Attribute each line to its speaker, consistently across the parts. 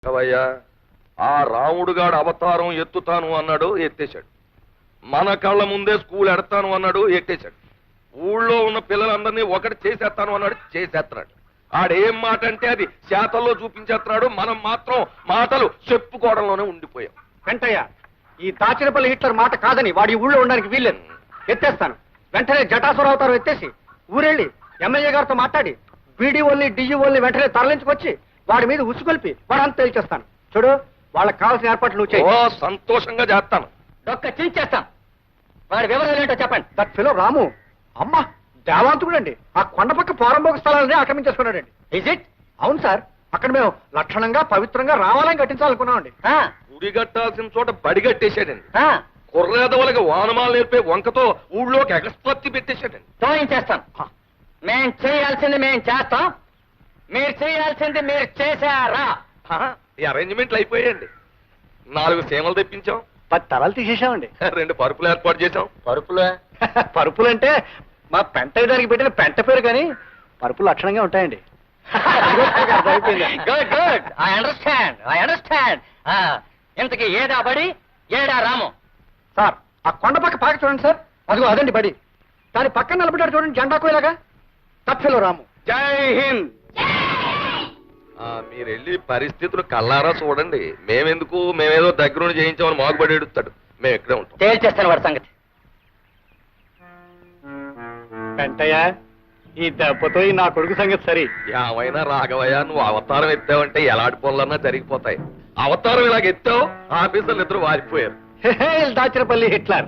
Speaker 1: అవయ్యా ఆ రాముడుగాడు అవతారం ఎత్తుతాను అన్నాడు, ఎత్తేశాడు. మన కళ్ళ ముందే స్కూల్ ఎడతాను అన్నాడు, ఎట్టేశాడు. ఊళ్ళో ఉన్న పిల్లలందరినీ ఒకటి చేసేస్తాను అన్నాడు, చేసేస్తున్నాడు. ఆడేం మాట అంటే అది శాతల్లో చూపించేస్తున్నాడు. మనం మాత్రం మాటలు చెప్పుకోవడంలోనే ఉండిపోయాం.
Speaker 2: వెంటయ్య, ఈ దాచినపల్లి హిట్లర్ మాట కాదని వాడి ఊళ్ళో ఉండడానికి వీల్లేదు. ఎత్తేస్తాను. వెంటనే జటాసుర అవతారం ఎత్తేసి ఊరెళ్ళి ఎమ్మెల్యే గారితో మాట్లాడి బీడీఓల్ని డిఈఓల్ని వెంటనే తరలించుకొచ్చి వాడి మీద ఉసుకొల్పి వాడంతా తేల్చేస్తాను. చూడు, వాళ్ళకి కావాల్సిన ఏర్పాట్లు నువ్వు చేయి.
Speaker 1: ఓ సంతోషంగా చేస్తాను.
Speaker 2: డొక్క చేస్తాం. వాడి వివరాలు ఏంటో చెప్పండి. దట్ ఫిలో రాము అమ్మ దేవాంతుడండి. ఆ కొండ పక్క పోరంబోక స్థలాలని ఆక్రమించేసుకున్నాడండి. Is it? అవును సార్. అక్కడ మేము లక్షణంగా పవిత్రంగా రావాలని కట్టించాలనుకున్నామండి.
Speaker 1: గుడి కట్టాల్సిన చోట బడి కట్టేశాడండి. కుర్రేదవులకి వానమాలు నేర్పే వంకతో ఊళ్ళోకి ఎగస్పత్తి పెట్టేశాడండి.
Speaker 2: తోయించేస్తాం. మేం చేయాల్సింది మేం చేస్తాం, మీరు చేయాల్సింది మీరు చేశారా?
Speaker 1: ఈ అరేంజ్మెంట్లు అయిపోయాయండి. 4 సీమలు తెప్పించాం,
Speaker 2: 10 తరాలు తీసేసామండి.
Speaker 1: 2 పరుపులు ఏర్పాటు చేశాం.
Speaker 2: పరుపులు అంటే మా పెంట దానికి పెట్టిన పెంట పేరు, కానీ పరుపులు లక్షణంగా ఉంటాయండి. Good good, I understand. ఇంతకి ఏడా బడి, ఏడా రాము? సార్, ఆ కొండ పక్క పాక చూడండి సార్. అదిగో అదండి బడి. దాని పక్కన నిలబడ్డాడు చూడండి జెండా కోయలాగా. తప్పిలో రాము. జై హింద్.
Speaker 1: మీరు వెళ్ళి పరిస్థితులు కల్లారా చూడండి. మేమేదో దగ్గరుండి చేయించామని మాగుబడి ఎడుతాడు. మేము ఎక్కడే ఉంటాం.
Speaker 2: తేల్చేస్తాను వాడి సంగతి. వెంటయ్య, ఈ దెబ్బతో నా కొడుకు సంగతి సరి.
Speaker 1: ఏమైనా రాఘవయ్య, నువ్వు అవతారం ఎత్తావంటే ఎలాంటి పనులన్నా జరిగిపోతాయి. అవతారం ఇలాగ ఎత్తావు, ఆఫీసర్లు ఇద్దరు వారిపోయారు.
Speaker 2: దాచినపల్లి హిట్లర్.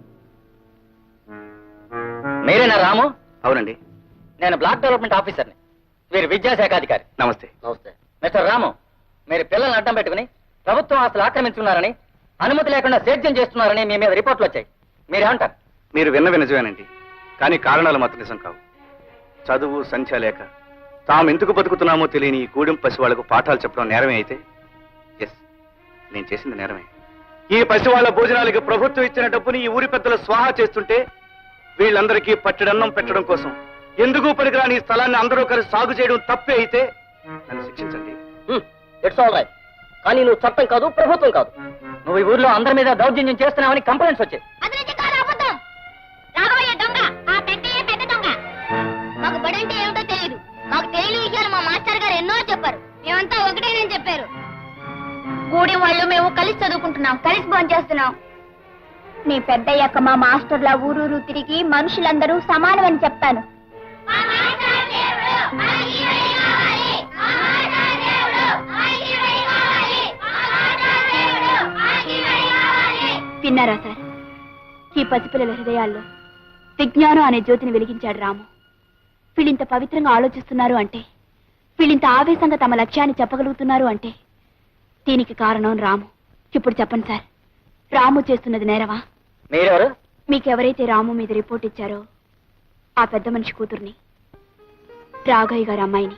Speaker 2: మీరేనా రాము? అవునండి, నేను బ్లాక్ డెవలప్మెంట్ ఆఫీసర్ని. మీరు విద్యాశాఖ అధికారి. నమస్తే. మిస్టర్ రాము, మీరు పిల్లల్ని అడ్డం పెట్టుకుని ప్రభుత్వం ఆస్తులు ఆక్రమించుకున్నారని, అనుమతి లేకుండా సేద్యం చేస్తున్నారని మీ మీద రిపోర్ట్లు వచ్చాయి. మీరేమంటారు?
Speaker 3: మీరు విన్నవి నిజమేనండి, కానీ కారణాలు మాత్రం నిజం కావు. చదువు సంఖ్య లేక తాము ఎందుకు బతుకుతున్నామో తెలియని ఈ గూడెం పసి వాళ్లకు పాఠాలు చెప్పడం నేరమే అయితే, ఎస్, నేను చేసింది నేరమే. ఈ పసి వాళ్ళ భోజనాలకి ప్రభుత్వం ఇచ్చిన డబ్బుని ఈ ఊరి పెద్దలు స్వాహా చేస్తుంటే వీళ్ళందరికీ పట్టెడన్నం పెట్టడం కోసం ఎందుకు పనికిరాని ఈ స్థలాన్ని అందరూ కలిసి సాగు చేయడం తప్పే అయితే నన్ను శిక్షించండి.
Speaker 2: It's all right. కానీ నువ్వు చట్టం కాదు, ప్రభుత్వం కాదు. నువ్వు ఈ ఊర్లో అందరి మీద దౌర్జన్యం చేస్తున్నావని కంప్లైంట్స్ వచ్చాయి.
Speaker 4: మాకు బడంటే ఏమిటో తెలియదు. మాకు తెలియని విషయాలు మా మాస్టర్ గారు ఎన్నో చెప్పారు. మేమంతా ఒకటేనని చెప్పారు. కూడి వాళ్ళు మేము కలిసి చదువుకుంటున్నాం, కలిసి భోంచేస్తున్నాం. నీ పెద్దయ్యాక మా మాస్టర్ల ఊరూరు తిరిగి మనుషులందరూ సమానమని చెప్తాను. విన్నారా సార్? ఈ పసిపిల్లల హృదయాల్లో విజ్ఞానం అనే జ్యోతిని వెలిగించాడు రాము. వీళ్ళింత పవిత్రంగా ఆలోచిస్తున్నారు అంటే, వీళ్ళింత ఆవేశంగా తమ లక్ష్యాన్ని చెప్పగలుగుతున్నారు అంటే దీనికి కారణం రాము. ఇప్పుడు చెప్పండి సార్, రాము చేస్తున్నది నేరవా?
Speaker 2: మీరెవరు?
Speaker 4: మీకెవరైతే రాము మీద రిపోర్ట్ ఇచ్చారో ఆ పెద్ద మనిషి కూతుర్ని, రాఘయ్య గారి అమ్మాయిని.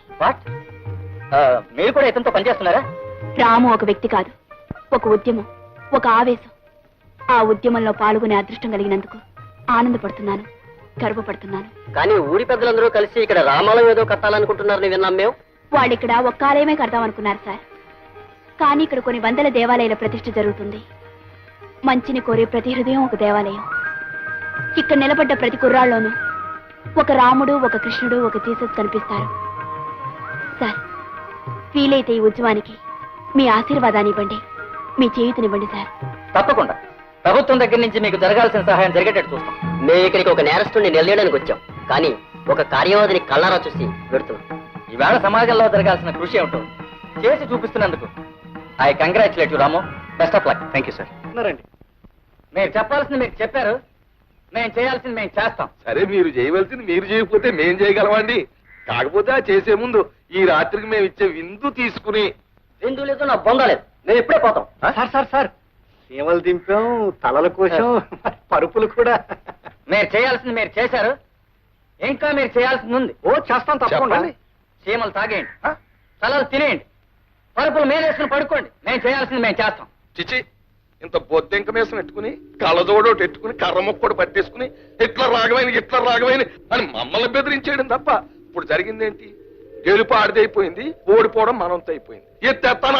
Speaker 2: మీరు కూడా ఇతనితో పనిచేస్తున్నారా?
Speaker 4: రాము ఒక వ్యక్తి కాదు, ఒక ఉద్యమం, ఒక ఆవేశం. ఆ ఉద్యమంలో పాల్గొనే అదృష్టం కలిగినందుకు ఆనందపడుతున్నాను, గర్వపడుతున్నాను.
Speaker 2: కానీ ఊరి పెద్దలందరూ కలిసి ఇక్కడ రామాలయం ఏదో కట్టాలనుకుంటున్నారని విన్నాం మేము.
Speaker 4: వాళ్ళు ఇక్కడ ఒక్క ఆలయమే కడదామనుకున్నారు సార్. కానీ ఇక్కడ కొన్ని వందల దేవాలయాల ప్రతిష్ఠ జరుగుతుంది. మంచిని కోరే ప్రతి హృదయం ఒక దేవాలయం. ఇక్కడ నిలబడ్డ ప్రతి కుర్రాళ్ళలోనూ ఒక రాముడు, ఒక కృష్ణుడు, ఒక జీసస్ కనిపిస్తారు. సార్, వీలైతే ఈ ఉద్యమానికి మీ ఆశీర్వాదాన్ని ఇవ్వండి, మీ చేయూతనివ్వండి సార్.
Speaker 2: తప్పకుండా ప్రభుత్వం దగ్గర నుంచి మీకు జరగాల్సిన సహాయం జరిగేటట్టు చూస్తాం. మేము ఇక్కడికి ఒక నేరస్తుడిని నిలయడానికి వచ్చాం, కానీ ఒక కార్యవాదిని కళ్ళారా చూసి పెడుతున్నాం. ఈవేళ సమాజంలో జరగాల్సిన కృషి ఏమిటో చేసి చూపిస్తున్నందుకు I congratulate you Ramu. Best of luck.
Speaker 3: Thank you sir.
Speaker 2: మీరు చెప్పాల్సింది మీరు చెప్పారు, మేము చేయాల్సింది మేము చేస్తాం.
Speaker 1: సరే, మీరు చేయవలసింది మీరు చేయకపోతే మేం చేయగలమండి. కాకపోతే ఆ చేసే ముందు ఈ రాత్రికి మేము ఇచ్చే విందు తీసుకుని.
Speaker 2: విందు లేదు, నా బొంద లేదు, మేము ఇప్పుడే పోతాం.
Speaker 3: సార్ సీమలు దింపాం, తలల కోసం పరుపులు కూడా.
Speaker 2: మీరు చేయాల్సింది మీరు చేశారు, ఇంకా మీరు చేయాల్సింది ఉంది.
Speaker 3: ఓ చేస్తాం తప్పకుండా.
Speaker 2: సీమలు తాగేయండి, తలలు తినేయండి, పరుపులు మేలేసుకుని పడుకోండి. మేము చేయాల్సింది మేము చేస్తాం.
Speaker 1: చిచి, ఇంత బొద్దెంక మీసం పెట్టుకుని కళ్ళజోడోటి ఎట్టుకుని కర్ర మొక్కడు పట్టేసుకుని ఇట్లా రాగమైన అని మమ్మల్ని బెదిరించేయడం తప్ప ఇప్పుడు జరిగిందేంటి? గెలుపు ఆడిదైపోయింది, ఓడిపోవడం మనంతో అయిపోయింది. ఎత్తేస్తాను